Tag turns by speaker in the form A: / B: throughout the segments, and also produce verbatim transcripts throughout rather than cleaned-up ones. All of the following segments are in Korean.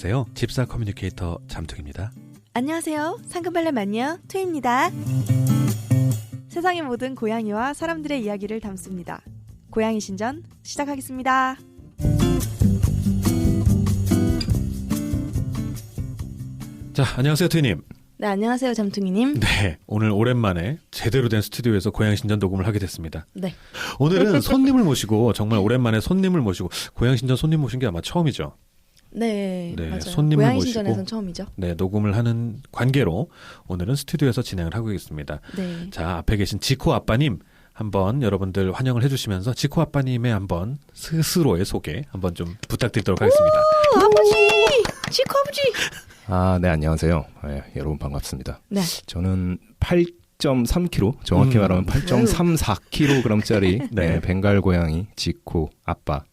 A: 안녕하세요. 집사 커뮤니케이터 잠툭입니다.
B: 안녕하세요. 상큼발랄 마녀 투입니다. 세상의 모든 고양이와 사람들의 이야기를 담습니다. 고양이 신전 시작하겠습니다.
A: 자, 안녕하세요, 투이님.
B: 네, 안녕하세요, 잠퉁이님.
A: 네, 오늘 오랜만에 제대로 된 스튜디오에서 고양이 신전 녹음을 하게 됐습니다.
B: 네.
A: 오늘은 손님을 모시고 정말 오랜만에 손님을 모시고 고양이 신전 손님 모신 게 아마 처음이죠.
B: 네,
A: 네,
B: 맞아요.
A: 손님을
B: 고양이
A: 모시고
B: 신전에선 처음이죠.
A: 네, 녹음을 하는 관계로 오늘은 스튜디오에서 진행을 하고 있습니다.
B: 네.
A: 자, 앞에 계신 지코 아빠님 한번 여러분들 환영을 해주시면서 지코 아빠님의 한번 스스로의 소개 한번 좀 부탁드리도록 하겠습니다.
B: 오, 아버지! 지코 아버지!
C: 아, 네, 안녕하세요. 네, 여러분 반갑습니다.
B: 네.
C: 저는 팔 점 삼 킬로그램, 정확히
A: 음.
C: 말하면 팔 점 삼사 킬로그램짜리
A: 네.
C: 네, 벵갈 고양이 지코 아빠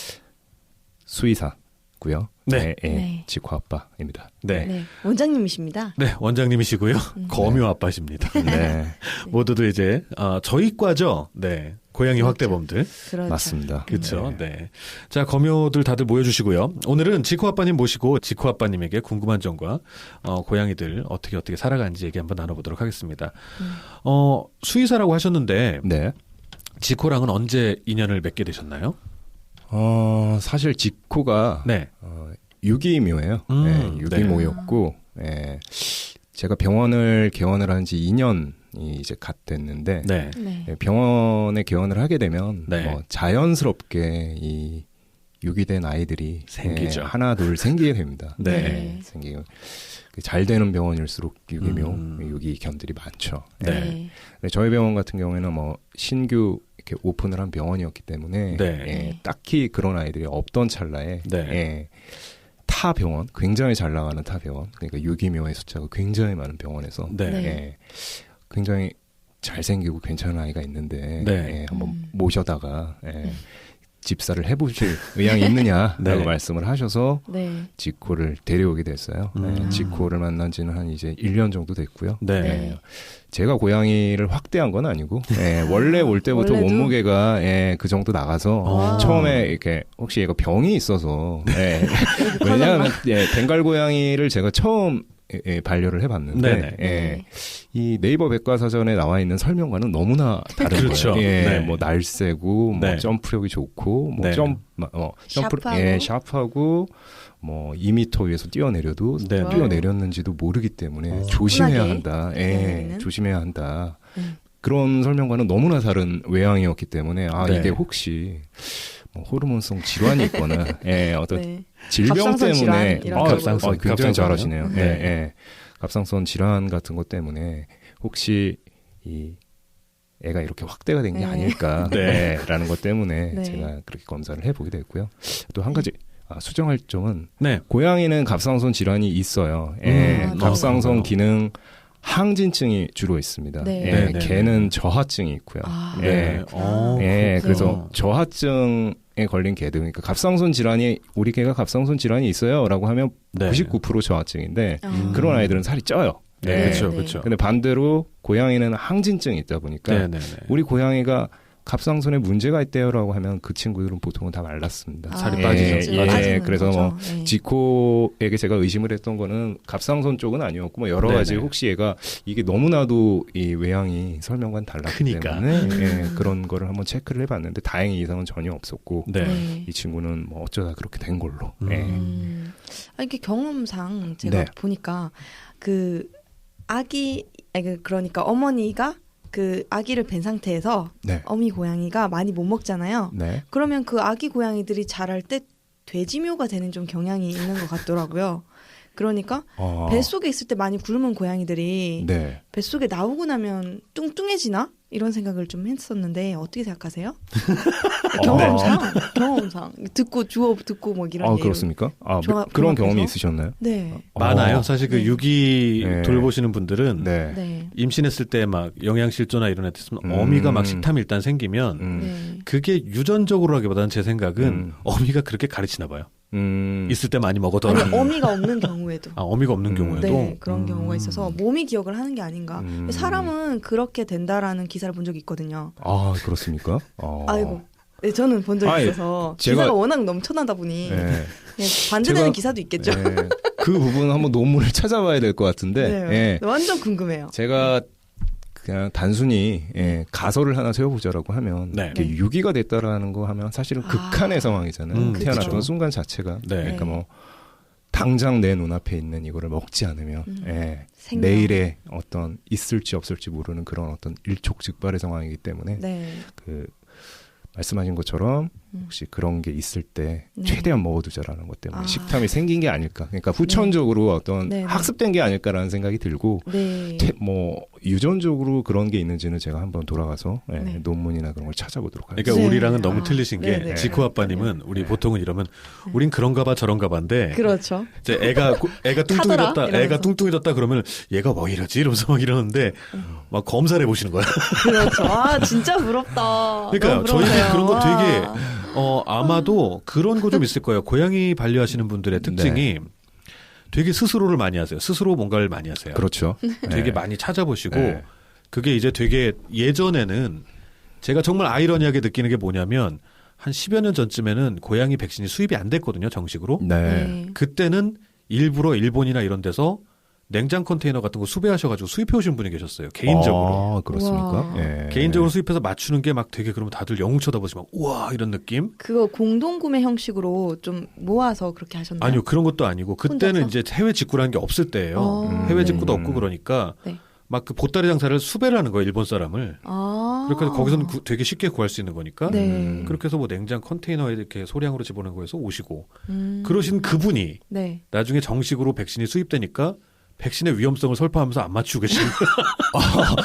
C: 수의사고요.
A: 네.
C: 네, 네,
B: 네.
C: 지코 아빠입니다.
A: 네.
B: 네, 원장님이십니다.
A: 네, 원장님이시고요.
B: 음.
A: 거묘 아빠십니다.
C: 네,
A: 모두들 이제 어, 저희 과죠. 네, 고양이
B: 그렇죠.
A: 확대범들.
B: 그렇죠.
C: 맞습니다.
A: 그렇죠.
C: 네.
A: 네. 자, 거묘들 다들 모여주시고요. 오늘은 지코 아빠님 모시고 지코 아빠님에게 궁금한 점과 어, 고양이들 어떻게 어떻게 살아가는지 얘기 한번 나눠보도록 하겠습니다.
B: 음.
A: 어, 수의사라고 하셨는데
C: 네.
A: 지코랑은 언제 인연을 맺게 되셨나요?
C: 어, 사실 지코가
A: 네.
C: 어, 유기묘예요.
A: 음,
C: 네, 유기모였고, 네, 제가 병원을 개원을 한 지 이 년이 이제 갓 됐는데,
A: 네.
B: 네.
C: 네, 병원에 개원을 하게 되면
A: 네.
C: 뭐 자연스럽게 이 유기된 아이들이
A: 생기죠.
C: 네, 하나 둘 생기게 됩니다.
A: 네.
B: 네.
C: 생기고 잘 되는 병원일수록 유기묘
A: 음.
C: 유기견들이 많죠.
A: 네.
B: 네.
C: 네, 저희 병원 같은 경우에는 뭐 신규 이렇게 오픈을 한 병원이었기 때문에
A: 네.
C: 예,
B: 네.
C: 딱히 그런 아이들이 없던 찰나에
A: 네.
C: 예, 타 병원, 굉장히 잘 나가는 타 병원, 그러니까 유기묘의 숫자가 굉장히 많은 병원에서
A: 네.
B: 네.
C: 예, 굉장히 잘생기고 괜찮은 아이가 있는데
A: 네.
C: 예, 한번
B: 음.
C: 모셔다가 예,
B: 네.
C: 집사를 해보실 의향이 있느냐라고
A: 네.
C: 말씀을 하셔서
B: 네.
C: 지코를 데려오게 됐어요.
A: 음.
C: 예, 지코를 만난 지는 한 이제 일 년 정도 됐고요.
A: 네.
B: 네.
C: 제가 고양이를 확대한 건 아니고 예, 원래 올 때부터
B: 원래도?
C: 몸무게가 예, 그 정도 나가서
A: 어.
C: 처음에 이렇게 혹시 얘가 병이 있어서 예, 왜냐하면 예, 벵갈 고양이를 제가 처음 예, 예, 반려를 해봤는데
A: 네네.
C: 예,
B: 네.
C: 이 네이버 백과사전에 나와 있는 설명과는 너무나 다른
A: 그렇죠.
C: 거예요. 예,
A: 네.
C: 뭐 날쌔고 뭐
A: 네.
C: 점프력이 좋고 뭐
A: 네.
C: 점, 어, 점프,
B: 샤프하고.
C: 예, 샤프하고 뭐 이 미터 위에서 뛰어내려도
A: 네.
C: 뛰어내렸는지도 모르기 때문에
A: 어.
C: 조심해야
B: 쿨하게
C: 한다. 예,
B: 뛰어내리는?
C: 조심해야 한다.
B: 음.
C: 그런 설명과는 너무나 다른 외향이었기 때문에 아
A: 네.
C: 이게 혹시 뭐 호르몬성 질환이 있거나 예, 어떤
B: 네.
C: 질병
B: 갑상선
C: 때문에
B: 질환 이런
C: 아,
B: 거.
A: 갑상선,
C: 아, 굉장히
A: 갑상선이요?
C: 잘하시네요.
A: 네.
C: 예, 예. 갑상선 질환 같은 것 때문에 혹시 이 애가 이렇게 확대가 된 게
B: 네.
C: 아닐까라는
A: 네.
C: 것 때문에
B: 네.
C: 제가 그렇게 검사를 해보게 됐고요. 또 한 가지 아, 수정할 점은
A: 네.
C: 고양이는 갑상선 질환이 있어요. 예,
B: 음,
C: 갑상선
A: 네.
C: 기능 항진증이 주로 있습니다.
B: 네.
C: 예,
A: 네, 네,
C: 개는
A: 네.
C: 저하증이 있고요.
B: 아,
C: 예.
A: 네. 어,
C: 예,
B: 그렇구나.
C: 그래서 저하증에 걸린 개들, 그러니까 갑상선 질환이 우리 개가 갑상선 질환이 있어요라고 하면
A: 네.
C: 구십구 퍼센트 저하증인데
B: 아.
C: 그런 아이들은 살이 쪄요.
A: 네.
C: 예.
A: 그렇죠,
B: 네.
A: 그렇죠.
C: 근데 반대로 고양이는 항진증이 있다 보니까
A: 네, 네, 네.
C: 우리 고양이가 갑상선에 문제가 있대요라고 하면 그 친구들은 보통은 다 말랐습니다.
B: 아,
A: 살이
C: 예,
A: 빠지죠.
C: 예,
B: 빠지는
C: 그래서
B: 거죠.
C: 뭐
B: 네.
C: 지코에게 제가 의심을 했던 거는 갑상선 쪽은 아니었고 뭐 여러
A: 네네.
C: 가지 혹시 얘가 이게 너무나도 이 외향이 설명과는 달랐기
A: 크니까.
C: 때문에
B: 음.
C: 예, 그런 거를 한번 체크를 해봤는데 다행히 이상은 전혀 없었고
A: 네.
B: 네.
C: 이 친구는 뭐 어쩌다 그렇게 된 걸로.
A: 음.
C: 예.
B: 음. 아, 이게 경험상 제가
C: 네.
B: 보니까 그 아기 아니, 그 그러니까 어머니가 그 아기를 뵌 상태에서
C: 네.
B: 어미 고양이가 많이 못 먹잖아요.
C: 네.
B: 그러면 그 아기 고양이들이 자랄 때 돼지묘가 되는 좀 경향이 있는 것 같더라고요. 그러니까
C: 어.
B: 뱃속에 있을 때 많이 굶은 고양이들이
C: 네.
B: 뱃속에 나오고 나면 뚱뚱해지나? 이런 생각을 좀 했었는데 어떻게 생각하세요?
C: 어.
B: 경험상 경험상 듣고 주워 듣고 뭐 이런
C: 아,
B: 얘기를.
C: 그렇습니까? 아,
B: 종합-
C: 뭐 그런 경험이
B: 종합해서?
C: 있으셨나요?
B: 네.
A: 많아요.
C: 어.
A: 사실 그
B: 네.
A: 유기
C: 네.
A: 돌보시는 분들은
C: 네.
B: 네.
A: 임신했을 때 막 영양실조나 이런 애 있으면
C: 음.
A: 어미가 막 식탐이 일단 생기면
C: 음.
B: 네.
A: 그게 유전적으로 하기보다는 제 생각은
C: 음.
A: 어미가 그렇게 가르치나 봐요.
C: 음.
A: 있을 때 많이 먹어둬라.
B: 아니 어미가 없는 경우에도.
A: 아, 어미가 없는
C: 음.
A: 경우에도
B: 네, 그런
A: 음.
B: 경우가 있어서 몸이 기억을 하는 게 아닌가.
C: 음.
B: 사람은 그렇게 된다라는 기사를 본 적이 있거든요.
C: 아, 그렇습니까? 어.
B: 아이고, 네, 저는 본 적이
C: 아니,
B: 있어서
C: 제가-
B: 기사가 워낙 넘쳐나다 보니
C: 네.
B: 네, 반대되는
C: 제가-
B: 기사도 있겠죠.
C: 네. 그 부분은 한번 논문을 찾아봐야 될 것 같은데
B: 네,
C: 예.
B: 완전 궁금해요.
C: 제가 그냥 단순히 예, 가설을 하나 세워보자라고 하면
A: 네.
C: 이게 유기가 됐다라는 거 하면 사실은
B: 아.
C: 극한의 상황이잖아요.
A: 음,
C: 태어났던
A: 그쵸.
C: 순간 자체가
A: 네.
C: 그러니까 뭐 당장 내 눈앞에 있는 이거를 먹지 않으면
B: 음.
C: 예,
B: 생명.
C: 내일에 어떤 있을지 없을지 모르는 그런 어떤 일촉즉발의 상황이기 때문에
B: 네.
C: 그 말씀하신 것처럼
B: 음.
C: 혹시 그런 게 있을 때
B: 네.
C: 최대한 먹어두자라는 것 때문에
B: 아.
C: 식탐이 생긴 게 아닐까. 그러니까 후천적으로 어떤
B: 네, 네.
C: 학습된 게 아닐까라는 생각이 들고
B: 네.
C: 태- 뭐 유전적으로 그런 게 있는지는 제가 한번 돌아가서 예,
B: 네.
C: 논문이나 그런 걸 찾아보도록 하겠습니다.
A: 그러니까
B: 네.
A: 우리랑은 너무
B: 아,
A: 틀리신 게
B: 네네.
A: 지코 아빠님은 우리
C: 네.
A: 보통은 이러면 우린 그런가 봐 저런가 봐인데
B: 그렇죠.
A: 이제 애가 고- 애가
B: 타더라?
A: 뚱뚱해졌다 애가
B: 이러면서.
A: 뚱뚱해졌다 그러면 얘가 뭐 이러지 이러면서 막 이러는데 막 검사를 해보시는 거야.
B: 그렇죠. 아 진짜 부럽다.
A: 그러니까
B: 너무
A: 저희는
B: 부러워요.
A: 그런 거 되게
B: 와.
A: 어 아마도 그런 거 좀 있을 거예요. 고양이 반려하시는 분들의 특징이 되게 스스로를 많이 하세요. 스스로 뭔가를 많이 하세요.
C: 그렇죠.
A: 되게
C: 네.
A: 많이 찾아보시고
C: 네.
A: 그게 이제 되게 예전에는 제가 정말 아이러니하게 느끼는 게 뭐냐면 한 십여 년 전쯤에는 고양이 백신이 수입이 안 됐거든요. 정식으로.
C: 네.
B: 네.
A: 그때는 일부러 일본이나 이런 데서 냉장 컨테이너 같은 거 수배하셔가지고 수입해 오신 분이 계셨어요. 개인적으로.
C: 아, 그렇습니까?
B: 우와.
C: 예.
A: 개인적으로 수입해서 맞추는 게 막 되게 그러면 다들 영웅 쳐다보시면 우와 이런 느낌?
B: 그거 공동 구매 형식으로 좀 모아서 그렇게 하셨나요?
A: 아니요 그런 것도 아니고 그때는
B: 혼자서?
A: 이제 해외 직구라는 게 없을 때예요.
B: 어.
C: 음.
A: 해외 직구도
C: 음.
A: 없고 그러니까
B: 네.
A: 막 그 보따리 장사를 수배를 하는 거예요 일본 사람을.
B: 아.
A: 그러니까 거기서는 구- 되게 쉽게 구할 수 있는 거니까.
B: 네.
C: 음.
A: 그렇게 해서 뭐 냉장 컨테이너에 이렇게 소량으로 집어넣은 거에서 오시고
B: 음.
A: 그러신 그분이
B: 네.
A: 나중에 정식으로 백신이 수입되니까 백신의 위험성을 설파하면서 안 맞추고 계시는 거예요.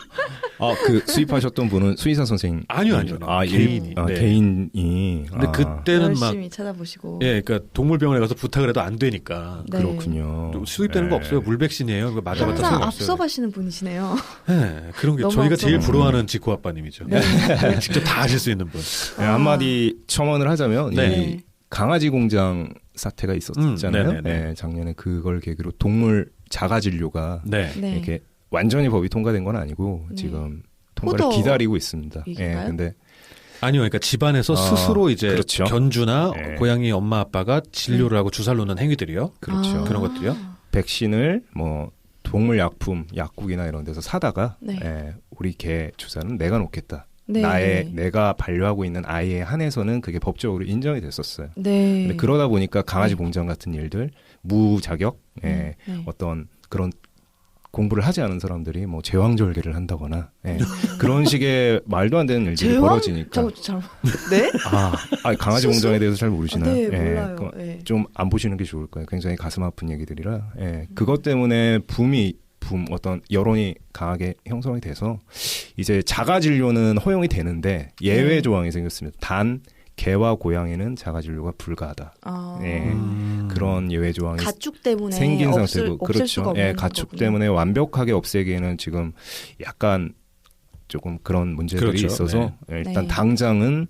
C: 아, 그 수입하셨던 분은 수의사 선생님.
A: 아니요, 아니요.
C: 아,
A: 개인이.
C: 아,
A: 네.
C: 개인이.
A: 근데
C: 아,
A: 그때는 막
B: 열심히 찾아보시고.
A: 예, 그러니까 동물병원에 가서 부탁을 해도 안 되니까
B: 네.
C: 그렇군요.
A: 또 수입되는 거
C: 네.
A: 없어요. 물 백신이에요. 그거 맞아봤자
B: 항상
A: 소용없어요.
B: 앞서가시는 분이시네요.
A: 네, 그런 게
B: 너무
A: 저희가 제일
B: 앞서가시는
A: 부러워하는 지코 아빠님이죠.
B: 네.
A: 직접 다 하실 수 있는 분.
C: 네, 한마디 첨언을 하자면
A: 네.
C: 이 강아지 공장 사태가 있었잖아요.
A: 음, 네네네.
C: 네, 작년에 그걸 계기로 동물 자가 진료가
A: 네.
B: 네.
C: 이렇게 완전히 법이 통과된 건 아니고
B: 네.
C: 지금 통과를
B: 포도
C: 기다리고 있습니다. 예,
B: 얘기인가요?
C: 근데
A: 아니요, 그러니까 집안에서
C: 아,
A: 스스로 이제
C: 그렇죠.
A: 견주나
C: 네.
A: 고양이 엄마 아빠가 진료를 하고 주사를 놓는 행위들이요.
C: 그렇죠.
B: 아.
A: 그런 것들이요.
C: 백신을 뭐 동물 약품, 약국이나 이런 데서 사다가
B: 네.
C: 예, 우리 개 주사는 내가 놓겠다.
B: 네.
C: 나의 내가 반려하고 있는 아이에 한해서는 그게 법적으로 인정이 됐었어요.
B: 네.
C: 근데 그러다 보니까 강아지
B: 네.
C: 공장 같은 일들 무자격 예,
B: 네.
C: 어떤 그런 공부를 하지 않은 사람들이 뭐 제왕절개를 한다거나 예,
B: 음.
C: 그런 식의 말도 안 되는 일들이
B: 제왕?
C: 벌어지니까
B: 저, 잘, 네?
C: 아, 아, 강아지
B: 수수?
C: 공장에 대해서 잘 모르시나요?
B: 네,
C: 예,
B: 몰라요.
C: 그-
B: 네.
C: 좀 안 보시는 게 좋을 거예요. 굉장히 가슴 아픈 얘기들이라 예, 그것 때문에 붐이 붐 어떤 여론이 강하게 형성이 돼서 이제 자가 진료는 허용이 되는데 예외
B: 네.
C: 조항이 생겼습니다. 단 개와 고양이는 자가 진료가 불가하다.
B: 아.
C: 예.
A: 음.
C: 그런 예외 조항이
B: 가축 때문에
C: 생긴
B: 없을,
C: 상태고
B: 없앨
C: 그렇죠.
B: 수가 없는
C: 예, 가축
B: 거군요.
C: 때문에 완벽하게 없애기에는 지금 약간 조금 그런 문제들이
A: 그렇죠.
C: 있어서 예, 일단
B: 네.
C: 당장은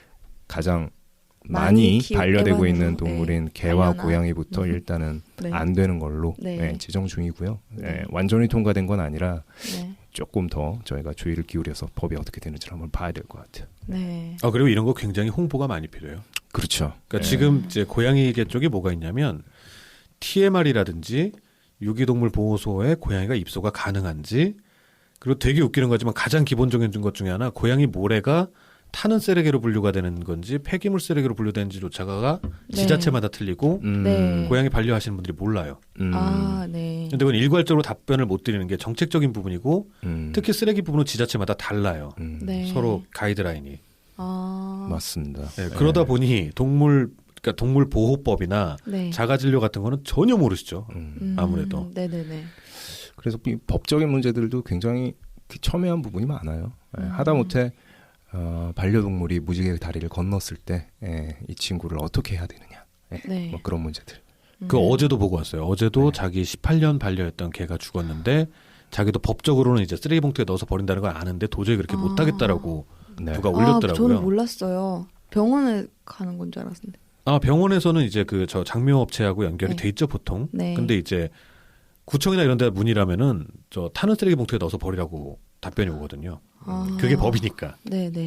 C: 가장
B: 많이
C: 많이
B: 키우-
C: 반려되고
B: 애완으로,
C: 있는 동물인
B: 네.
C: 개와
B: 반려나.
C: 고양이부터
B: 음.
C: 일단은
B: 네.
C: 안 되는 걸로
B: 네.
C: 예, 지정 중이고요. 예,
B: 네.
C: 완전히 통과된 건 아니라
B: 네.
C: 조금 더 저희가 주의를 기울여서 법이 어떻게 되는지를 한번 봐야 될 것 같아요.
B: 네.
A: 아 그리고 이런 거 굉장히 홍보가 많이 필요해요.
C: 그렇죠.
A: 그러니까
C: 예.
A: 지금 이제 고양이계 쪽에 뭐가 있냐면 티엠알이라든지 유기동물 보호소에 고양이가 입소가 가능한지 그리고 되게 웃기는 거지만 가장 기본적인 것 중에 하나 고양이 모래가 타는 쓰레기로 분류가 되는 건지 폐기물 쓰레기로 분류되는지조차가
B: 네.
A: 지자체마다 틀리고
C: 음,
B: 네.
A: 고양이 반려하시는 분들이 몰라요.
C: 음,
B: 아, 네.
A: 근데 그건 일괄적으로 답변을 못 드리는 게 정책적인 부분이고
C: 음,
A: 특히 쓰레기 부분은 지자체마다 달라요.
C: 음,
B: 네.
A: 서로 가이드라인이.
B: 아.
C: 맞습니다.
A: 네, 그러다 보니 동물 그러니까 동물 보호법이나
B: 네.
A: 자가진료 같은 거는 전혀 모르시죠.
C: 음.
B: 음,
A: 아무래도.
B: 네네네.
C: 그래서 이 법적인 문제들도 굉장히 그 첨예한 부분이 많아요. 예,
B: 음.
C: 하다못해 어, 반려동물이 무지개 다리를 건넜을 때 이 친구를 어떻게 해야 되느냐. 예,
B: 네.
C: 뭐 그런 문제들.
A: 그
B: 음.
A: 어제도 보고 왔어요. 어제도
C: 네.
A: 자기 십팔 년 반려했던 개가 죽었는데 자기도 법적으로는 이제 쓰레기 봉투에 넣어서 버린다는 걸 아는데 도저히 그렇게
B: 아.
A: 못 하겠다라고
C: 네.
A: 누가
B: 아,
A: 올렸더라고요.
B: 저는 몰랐어요. 병원에 가는 건 줄 알았는데.
A: 아, 병원에서는 이제 그 저 장묘 업체하고 연결이
B: 네.
A: 돼 있죠, 보통.
B: 네.
A: 근데 이제 구청이나 이런 데 문의라면은 저 타는 쓰레기 봉투에 넣어서 버리라고 답변이 오거든요.
B: 아.
A: 그게 법이니까.
B: 네네.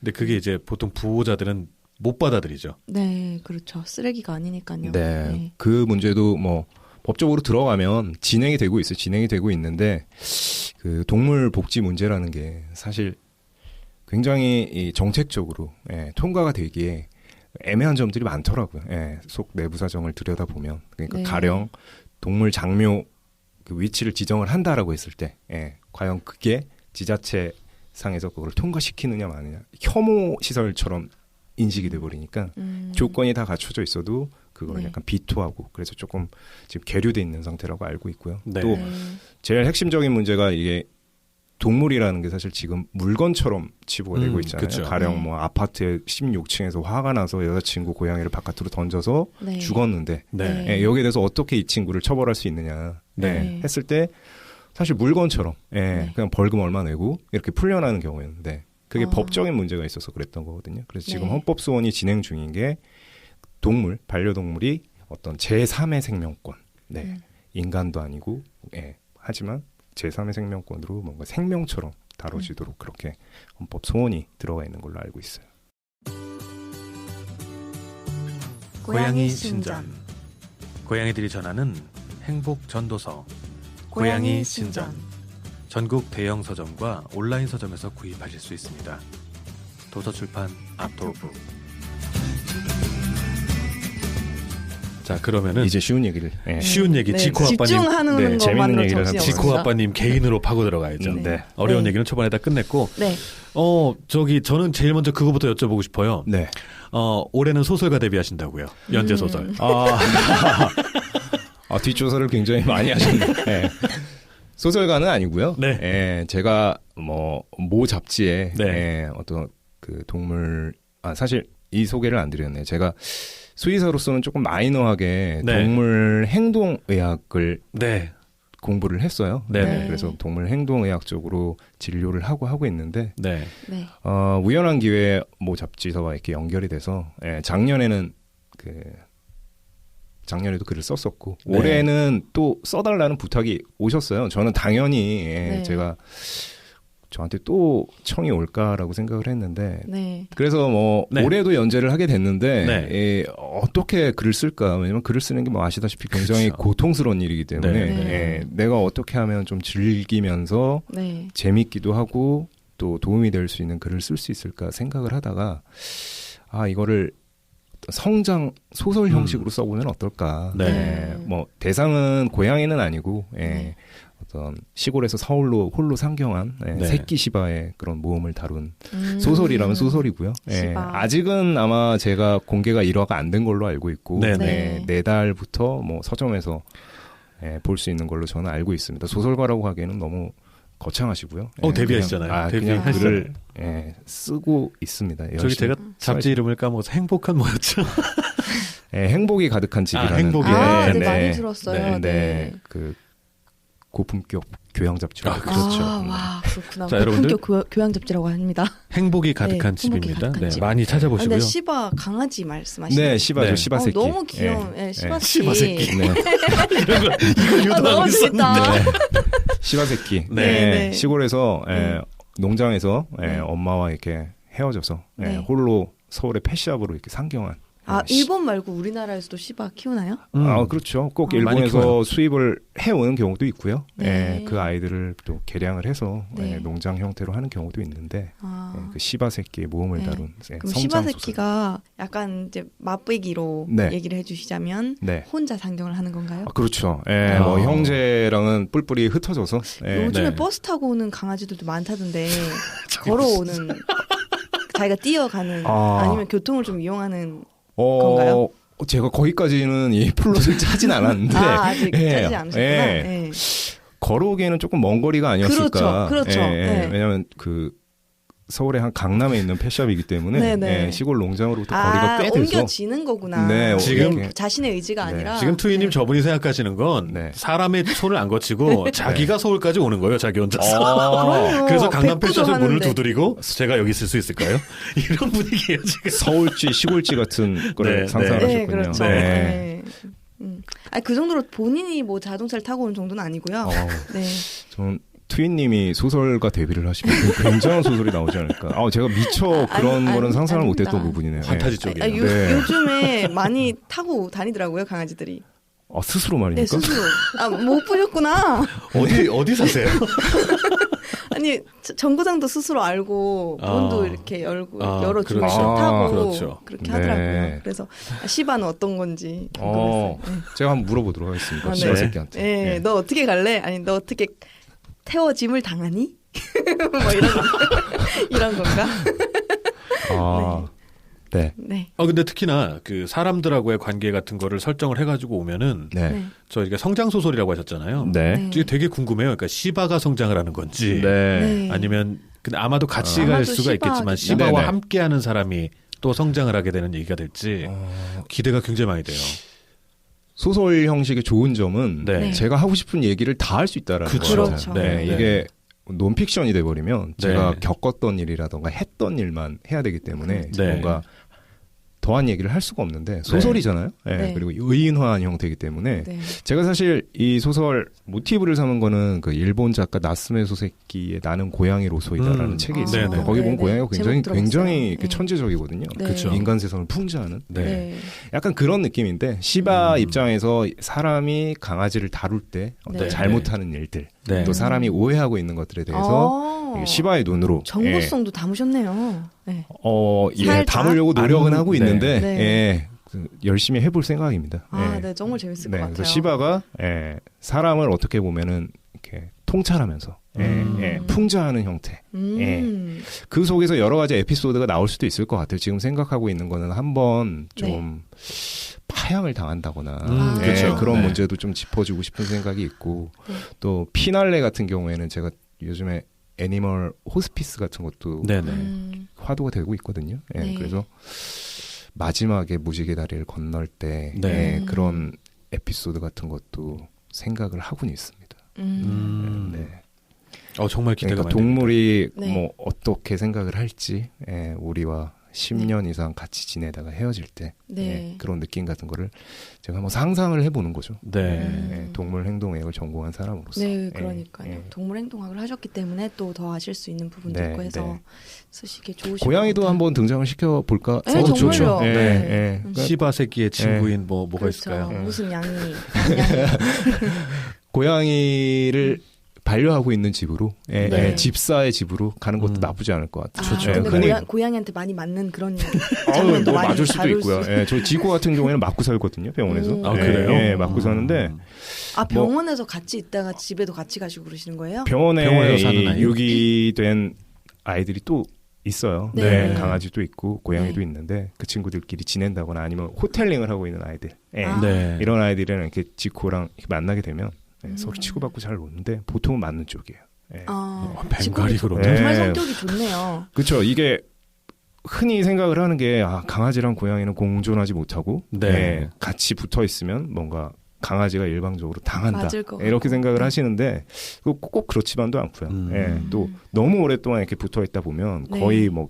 A: 근데 그게 이제 보통 부호자들은 못 받아들이죠.
B: 네, 그렇죠. 쓰레기가 아니니까요.
C: 네,
B: 네.
C: 그 문제도 뭐 법적으로 들어가면 진행이 되고 있어요. 진행이 되고 있는데 그 동물 복지 문제라는 게 사실 굉장히 이 정책적으로 예, 통과가 되기에 애매한 점들이 많더라고요. 예, 속 내부 사정을 들여다보면 그러니까
B: 네.
C: 가령 동물 장묘 그 위치를 지정을 한다라고 했을 때 예, 과연 그게 지자체 상에서 그걸 통과시키느냐 마느냐 혐오 시설처럼 인식이 돼버리니까
B: 음.
C: 조건이 다 갖춰져 있어도 그걸
B: 네.
C: 약간 비토하고 그래서 조금 지금 계류돼 있는 상태라고 알고 있고요.
A: 네.
C: 또
B: 네.
C: 제일 핵심적인 문제가 이게 동물이라는 게 사실 지금 물건처럼 치부가 되고
A: 음,
C: 있잖아요.
A: 그쵸.
C: 가령
B: 네.
C: 뭐 아파트 십육 층에서 화가 나서 여자친구 고양이를 바깥으로 던져서
B: 네.
C: 죽었는데
A: 네.
B: 네.
C: 예, 여기에 대해서 어떻게 이 친구를 처벌할 수 있느냐
A: 네.
C: 예, 했을 때 사실 물건처럼 예,
B: 네.
C: 그냥 벌금 얼마 내고 이렇게 풀려나는 경우였는데 그게
B: 아.
C: 법적인 문제가 있어서 그랬던 거거든요. 그래서 지금
B: 네.
C: 헌법소원이 진행 중인 게 동물, 반려동물이 어떤 제삼의 생명권, 네,
B: 음.
C: 인간도 아니고, 예, 하지만 제삼의 생명권으로 뭔가 생명처럼 다뤄지도록 그렇게 헌법 소원이 들어가 있는 걸로 알고 있어요.
A: 고양이 신전. 고양이들이 전하는 행복 전도서. 고양이 신전. 전국 대형 서점과 온라인 서점에서 구입하실 수 있습니다. 도서출판 아토북. 자, 그러면은
C: 이제 쉬운 얘기를. 예.
A: 쉬운 얘기
B: 네,
A: 지코 아빠님,
B: 집중하는
C: 네, 재밌는
B: 것만으로
C: 얘기를
B: 정신이
C: 합시다.
A: 지코
B: 없습니다.
A: 아빠님 개인으로 파고 들어가야죠.
C: 음, 네.
A: 어려운
B: 네.
A: 얘기는 초반에 다 끝냈고,
B: 네.
A: 어 저기 저는 제일 먼저 그거부터 여쭤보고 싶어요.
C: 네.
A: 어 올해는 소설가 데뷔하신다고요. 연재 소설.
B: 음.
C: 아, 아, 뒷조사를 굉장히 많이 하셨네요. 예. 소설가는 아니고요.
A: 네.
C: 예, 제가 뭐 모 잡지에
A: 네.
C: 예, 어떤 그 동물 아 사실 이 소개를 안 드렸네요. 제가 수의사로서는 조금 마이너하게
A: 네.
C: 동물 행동의학을
A: 네.
C: 공부를 했어요.
A: 네.
C: 네, 그래서 동물 행동의학 쪽으로 진료를 하고 하고 있는데
A: 네.
B: 네.
C: 어, 우연한 기회에 모 잡지사와 이렇게 연결이 돼서 예, 작년에는 그 작년에도 글을 썼었고
A: 네.
C: 올해는 또 써달라는 부탁이 오셨어요. 저는 당연히 예,
B: 네.
C: 제가 저한테 또 청이 올까라고 생각을 했는데
B: 네.
C: 그래서 뭐
A: 네.
C: 올해도 연재를 하게 됐는데
A: 네.
C: 예, 어떻게 글을 쓸까? 왜냐면 글을 쓰는 게 뭐 아시다시피 굉장히
A: 그렇죠.
C: 고통스러운 일이기 때문에
A: 네.
B: 네.
C: 예, 내가 어떻게 하면 좀 즐기면서
B: 네.
C: 재밌기도 하고 또 도움이 될 수 있는 글을 쓸 수 있을까 생각을 하다가 아 이거를 성장 소설 형식으로 써보면 어떨까?
A: 네.
C: 예, 뭐 대상은 고양이는 아니고 예,
B: 네.
C: 어떤 시골에서 서울로 홀로 상경한 예,
A: 네.
C: 새끼 시바의 그런 모험을 다룬
B: 음.
C: 소설이라면 소설이고요. 예,
B: 시바.
C: 아직은 아마 제가 공개가 일 화가 안 된 걸로 알고 있고
A: 네,
B: 네.
C: 네, 내달부터 뭐 서점에서 예, 볼 수 있는 걸로 저는 알고 있습니다. 소설가라고 하기에는 너무 거창하시고요.
A: 어,
C: 예,
A: 데뷔하시잖아요.
C: 그냥, 아, 그냥
A: 데뷔했어요.
C: 글을 예, 쓰고 있습니다.
A: 저기
C: 열심히.
A: 제가 잡지 이름을 까먹어서 행복한 뭐였죠?
C: 예, 행복이 가득한 집이라는
A: 행복이
B: 아,
A: 네,
B: 네,
A: 네.
B: 많이 들었어요.
A: 네,
B: 네.
C: 네, 그 고품격 교양 잡지로
A: 아,
C: 알고
A: 그렇죠.
C: 있습니다.
B: 아, 와, 그렇구나.
A: 자, 여러분들.
B: 품격 교, 교양 잡지라고 합니다.
A: 행복이 가득한
B: 네,
A: 집입니다.
B: 행복이 가득한
A: 네,
B: 집.
A: 많이
B: 아,
A: 찾아보시고요.
B: 근데 시바 강아지 말씀하시는
C: 네, 시바죠,
A: 네.
C: 시바
B: 어,
C: 새끼.
B: 너무 귀여운
C: 예,
B: 예, 시바
C: 예.
B: 새끼.
A: 시바 새끼.
C: 네.
A: 이런 거 이거
B: 아,
A: 유도하고
B: 너무
A: 있었는데.
B: 재밌다.
C: 시바 새끼.
A: 네.
C: 네,
B: 네.
C: 시골에서 예,
B: 음.
C: 농장에서 예,
B: 네.
C: 엄마와 이렇게 헤어져서 예,
B: 네.
C: 홀로 서울의 펫샵으로 이렇게 상경한.
B: 아,
C: 예, 시-
B: 일본 말고 우리나라에서도 시바 키우나요?
A: 음.
C: 아, 그렇죠. 꼭
B: 아.
A: 많이
C: 일본에서
A: 키워요.
C: 수입을 해오는 경우도 있고요.
B: 네.
C: 예, 그 아이들을 또 개량을 해서
B: 네.
C: 예, 농장 형태로 하는 경우도 있는데
B: 아.
C: 예, 그 시바 새끼의 모험을
B: 네.
C: 다룬 예,
B: 그럼
C: 성장
B: 시바
C: 소설.
B: 새끼가 약간 이제 맛보기로
C: 네.
B: 얘기를 해주시자면
C: 네.
B: 혼자 상경을 하는 건가요?
C: 아, 그렇죠. 예,
A: 아.
C: 뭐 형제랑은 뿔뿔이 흩어져서 예,
B: 요즘에
A: 네.
B: 버스 타고 오는 강아지들도 많다던데 걸어오는 자기가 뛰어가는
C: 아.
B: 아. 니면 교통을 좀 이용하는
C: 어,
B: 건가요?
C: 제가 거기까지는 이 플롯을 짜진 않았는데
B: 아, 아직
C: 예,
B: 짜지 않으셨구나.
C: 예.
B: 네.
C: 걸어오기에는 조금 먼 거리가 아니었을까.
B: 그렇죠, 그렇죠.
C: 예, 예.
B: 네.
C: 왜냐하면 그 서울의 한 강남에 있는 펫샵이기 때문에
B: 네네.
C: 예, 시골 농장으로부터
B: 아,
C: 거리가 꽤 돼서
B: 옮겨지는 거구나.
C: 네,
A: 지금
B: 이게 자신의 의지가
C: 네.
B: 아니라
A: 지금 투이님
B: 네.
A: 저분이 생각하시는 건
C: 네.
A: 사람의 손을 안 거치고 자기가 서울까지 오는 거예요. 자기 혼자서.
C: 어,
B: 그럼요.
A: 그래서 강남
B: 백구도
A: 펜션을 문을
B: 하는데.
A: 두드리고 제가 여기 있을 수 있을까요? 이런 분위기예요 지금.
C: 서울지 시골지 같은 거를
A: 네,
C: 상상을
A: 네.
B: 네,
C: 하셨군요.
B: 그렇죠.
A: 네.
B: 네. 음. 아니, 그 정도로 본인이 뭐 자동차를 타고 온 정도는 아니고요.
C: 어,
B: 네.
C: 저는 트윈님이 소설가 데뷔를 하시면 굉장한 소설이 나오지 않을까. 아, 제가 미처 그런
B: 아니,
C: 거는
B: 아니,
C: 상상을
B: 아닙니다.
C: 못했던 부분이네요.
A: 판타지
C: 네.
A: 쪽이에요.
B: 아, 요,
C: 네.
B: 요즘에 많이 타고 다니더라고요, 강아지들이.
C: 아, 스스로
B: 네,
C: 말입니까?
B: 스스로. 아, 못 보셨구나.
A: 어디 어디 사세요?
B: 아니, 저- 정거장도 스스로 알고,
A: 아.
B: 문도 이렇게 열고,
A: 아,
B: 열어주고
A: 그렇죠.
B: 타고,
A: 그렇죠.
B: 그렇게
C: 네.
B: 하더라고요. 그래서, 아, 시바는 어떤 건지 궁금했어요.
C: 어, 제가 한번 물어보도록 하겠습니다.
B: 아, 네.
C: 시바 새끼한테.
B: 네.
C: 네.
B: 너 어떻게 갈래? 아니, 너 어떻게 태워짐을 당하니? 뭐 이런, 이런 건가?
C: 아, 네.
B: 네.
A: 아 근데 특히나 그 사람들하고의 관계 같은 거를 설정을 해가지고 오면은
C: 네.
B: 네.
A: 저희가 성장 소설이라고 하셨잖아요.
C: 네.
B: 네.
A: 이게 되게 궁금해요. 그러니까 시바가 성장을 하는 건지
C: 네.
B: 네.
A: 아니면 근데 아마도 같이
C: 아.
A: 갈
B: 아마도
A: 수가 있겠지만
B: 시바겠죠.
A: 시바와
C: 네네.
A: 함께하는 사람이 또 성장을 하게 되는 얘기가 될지
C: 어,
A: 기대가 굉장히 많이 돼요.
C: 소설 형식의 좋은 점은
A: 네.
B: 네.
C: 제가 하고 싶은 얘기를 다 할 수 있다라는
A: 그쵸.
C: 거예요.
B: 그렇죠.
C: 네,
A: 네.
C: 이게 논픽션이 돼버리면 제가
A: 네.
C: 겪었던 일이라던가 했던 일만 해야 되기 때문에
A: 네.
C: 뭔가 더한 얘기를 할 수가 없는데 소설이잖아요. 네.
B: 네.
C: 그리고 의인화한 형태이기 때문에
B: 네.
C: 제가 사실 이 소설 모티브를 삼은 거는 그 일본 작가 나스메 소세키의 나는 고양이로소이다라는
A: 음.
C: 책이
B: 아,
C: 있어요.
A: 네네.
C: 거기 보면
B: 네네.
C: 고양이가 굉장히
B: 제목 들어봤어요.
C: 굉장히 이렇게
B: 네.
C: 천재적이거든요.
B: 네.
A: 그쵸.
C: 인간 세상을 풍자하는.
A: 네.
B: 네.
C: 약간 그런 느낌인데 시바
A: 음.
C: 입장에서 사람이 강아지를 다룰 때 어떤
B: 네.
C: 잘못하는 일들
A: 네.
C: 또 사람이 오해하고 있는 것들에 대해서
B: 아,
C: 이게 시바의 눈으로 예,
B: 정보성도 담으셨네요. 네.
C: 어, 예,
B: 살짝?
C: 담으려고 노력은
A: 안-
C: 하고
A: 네.
C: 있는데
B: 네.
C: 예, 그 열심히 해볼 생각입니다.
B: 아,
C: 예.
B: 네, 정말 재밌을
C: 네,
B: 것 같아요.
C: 그래서 시바가 예, 사람을 어떻게 보면은 이렇게 통찰하면서 예,
A: 음.
C: 예, 풍자하는 형태.
B: 음.
C: 그 속에서 여러 가지 에피소드가 나올 수도 있을 것 같아요. 지금 생각하고 있는 거는 한번 좀 파양을 당한다거나
A: 음,
C: 예,
A: 그렇죠.
C: 그런
A: 네.
C: 문제도 좀 짚어주고 싶은 생각이 있고
B: 네.
C: 또 피날레 같은 경우에는 제가 요즘에 애니멀 호스피스 같은 것도
A: 네네.
B: 음.
C: 화두가 되고 있거든요. 예,
B: 네.
C: 그래서 마지막에 무지개 다리를 건널 때
A: 네.
C: 예,
B: 음.
C: 그런 에피소드 같은 것도 생각을 하고는 있습니다.
B: 음.
A: 음.
C: 네.
A: 어 정말 기대가
C: 그러니까
A: 많이
C: 동물이
B: 네.
C: 뭐 어떻게 생각을 할지 예, 우리와 십 년 이상 같이 지내다가 헤어질 때
B: 네.
C: 예, 그런 느낌 같은 거를 제가 한번 상상을 해보는 거죠.
A: 네.
B: 음.
C: 예, 동물 행동학을 전공한 사람으로서.
B: 네,
C: 예,
B: 그러니까요.
C: 예.
B: 동물 행동학을 하셨기 때문에 또 더 아실 수 있는 부분도
C: 네,
B: 있고 해서
C: 네.
B: 쓰시기 좋으실
C: 고양이도
B: 것 같아요.
C: 한번 등장을 시켜 볼까?
B: 네, 정말요.
C: 예,
B: 네.
C: 예.
B: 음.
C: 그러니까
A: 시바 새끼의 친구인 뭐 뭐가
B: 그렇죠.
A: 있을까요?
C: 예.
B: 무슨 양이 양이.
C: 고양이를 반려하고 있는 집으로, 예,
A: 네.
C: 예, 집사의 집으로 가는 것도
A: 음.
C: 나쁘지 않을 것 같아요.
B: 아,
A: 좋죠.
B: 근데
C: 흔히-
B: 고양, 고양이한테 많이 맞는 그런
C: 아유,
B: 장면도
C: 뭐
B: 많이
C: 맞을 수도
B: 다룰
C: 있고요.
B: 수-
C: 예, 저 지코 같은 경우에는 맞고 살거든요, 병원에서.
B: 음.
A: 아
C: 예,
A: 그래요?
C: 예, 맞고 사는데
A: 음.
B: 아 병원에서 같이 있다가 집에도 같이 가시고 그러시는 거예요?
C: 병원에
A: 병원에서 사는
C: 이
A: 아이?
C: 유기된 아이들이 또 있어요.
B: 네.
C: 네, 강아지도 있고 고양이도
B: 네.
C: 있는데 그 친구들끼리 지낸다거나 아니면 호텔링을 하고 있는 아이들. 예.
B: 아.
A: 네.
C: 이런 아이들은 이렇게 지코랑 이렇게 만나게 되면 네,
B: 음.
C: 서로 치고받고 잘 노는데 보통은 맞는 쪽이에요. 예.
B: 아,
A: 어, 벵갈이
B: 지금
A: 그러네.
B: 정말
C: 네.
B: 성격이 좋네요.
C: 그렇죠. 이게 흔히 생각을 하는 게 아, 강아지랑 고양이는 공존하지 못하고
A: 네.
C: 예, 같이 붙어 있으면 뭔가 강아지가 일방적으로 당한다.
B: 맞을 것
C: 이렇게
B: 같고.
C: 생각을
B: 네.
C: 하시는데 꼭, 꼭 그렇지만도 않고요.
A: 음.
C: 예, 또 너무 오랫동안 이렇게 붙어 있다 보면 거의
B: 네.
C: 뭐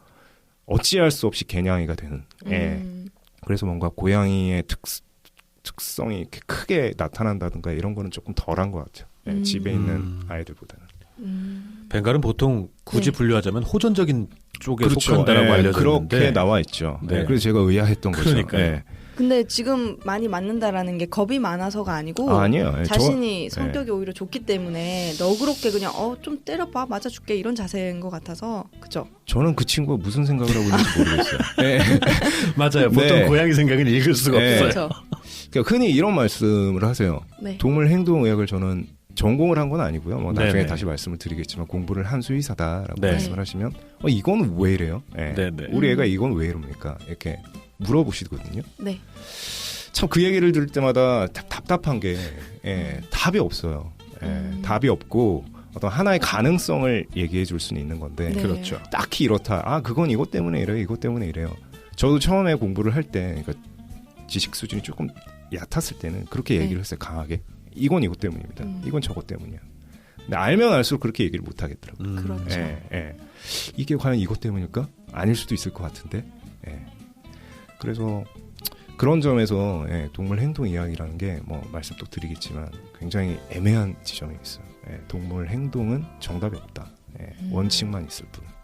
C: 어찌할 수 없이 개냥이가 되는. 예.
B: 음,
C: 그래서 뭔가 고양이의 특, 특성이 이렇게 크게 나타난다든가 이런 거는 조금 덜한 것 같아요. 예,
B: 음.
C: 집에 있는
A: 음.
C: 아이들보다는.
B: 음.
A: 벵갈은 보통 굳이
B: 네.
A: 분류하자면 호전적인 쪽에
C: 그렇죠.
A: 속한다라고
C: 예,
A: 알려져
C: 그렇게
A: 있는데
C: 나와 있죠.
A: 네.
C: 예, 그래서 제가 의아했던 거죠.
A: 그러니까요.
C: 예.
B: 근데 지금 많이 맞는다라는 게 겁이 많아서가 아니고
C: 아, 아니에요. 예,
B: 자신이
C: 저-
B: 성격이
C: 예.
B: 오히려 좋기 때문에 너그럽게 그냥 어 좀 때려봐 맞아줄게 이런 자세인 것 같아서 그죠?
C: 저는 그 친구가 무슨 생각을 하고 있는지 모르겠어요. 예.
A: 맞아요. 보통
C: 네.
A: 고양이 생각은 읽을 수가
C: 네.
A: 없어요.
B: 그렇죠.
C: 그러니까 흔히 이런 말씀을 하세요.
B: 네.
C: 동물 행동의학을 저는 전공을 한 건 아니고요. 뭐 나중에
A: 네네.
C: 다시 말씀을 드리겠지만 공부를 한 수의사다라고
A: 네.
C: 말씀을 하시면 어, 이건 왜 이래요? 예.
A: 네네.
C: 우리 애가
B: 음.
C: 이건 왜 이럽니까? 이렇게 물어보시거든요.
B: 네.
C: 참 그 얘기를 들을 때마다 답, 답답한 게 예, 답이 없어요. 예,
B: 음.
C: 답이 없고 어떤 하나의 가능성을 얘기해 줄 수는 있는 건데
B: 네.
A: 그렇죠.
C: 딱히 이렇다. 아 그건 이것 때문에 이래요. 이것 때문에 이래요. 저도 처음에 공부를 할 때 그러니까 지식 수준이 조금 얕았을 때는 그렇게
B: 네.
C: 얘기를 했어요. 강하게. 이건 이것 때문입니다.
B: 음.
C: 이건 저것 때문이야. 근데 알면 알수록 그렇게 얘기를 못 하겠더라고요.
A: 음.
B: 그렇죠.
C: 예, 예. 이게 과연 이것 때문일까? 아닐 수도 있을 것 같은데. 예. 그래서 그런 점에서 예, 동물 행동 이야기라는 게 뭐 말씀 또 드리겠지만 굉장히 애매한 지점이 있어요. 예, 동물 행동은 정답이 없다. 예,
B: 음.
C: 원칙만 있을 뿐.